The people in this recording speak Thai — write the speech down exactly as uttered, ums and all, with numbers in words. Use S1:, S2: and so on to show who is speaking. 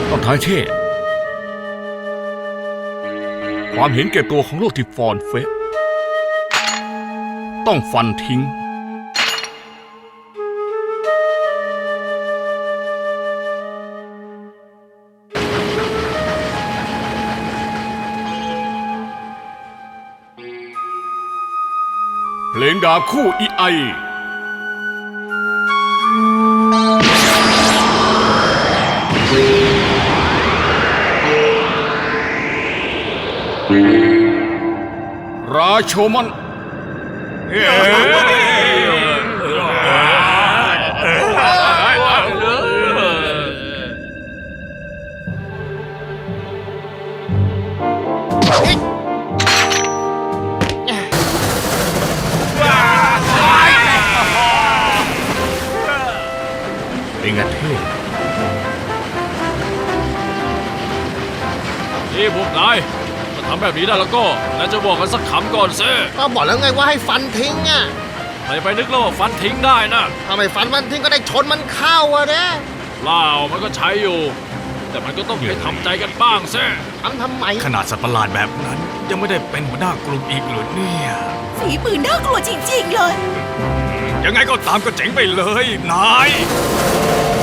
S1: ต้องท้ายเช่ความเห็นแก่ตัวของโลกที่ฟอนเฟะต้องฟันทิ้งเพลงดาบคู่อีไอราโชมันเป็นไงเท่
S2: นี่พวกนายถ้าทำแบบนี้ได้แล้วก็นายจะบอกกันสักคำก่อนสิ
S3: ก็บอกแล้วไงว่าให้ฟันทิ้งอ่ะ
S2: ใครไปนึกแล้วว่าฟันทิ้งได้นะ
S3: ถ้าไม่ฟันมันทิ้งก็ได้ชนมันเข้าอะเนี่ย
S2: เล่ามันก็ใช้อยู่ แต่มันก็ต้องไปทำใจกันบ้างสิ
S3: ทำทำไม
S4: ขนาดสัตว์ประหลาดแบบนั้นยังไม่ได้เป็นหัวหน้ากลุ่มอีกเหรอเนี่ย
S5: ฝีมือน่ากลัวจริงๆเลย
S4: ยังไงก็ตามก็เจ๋งไปเลยนาย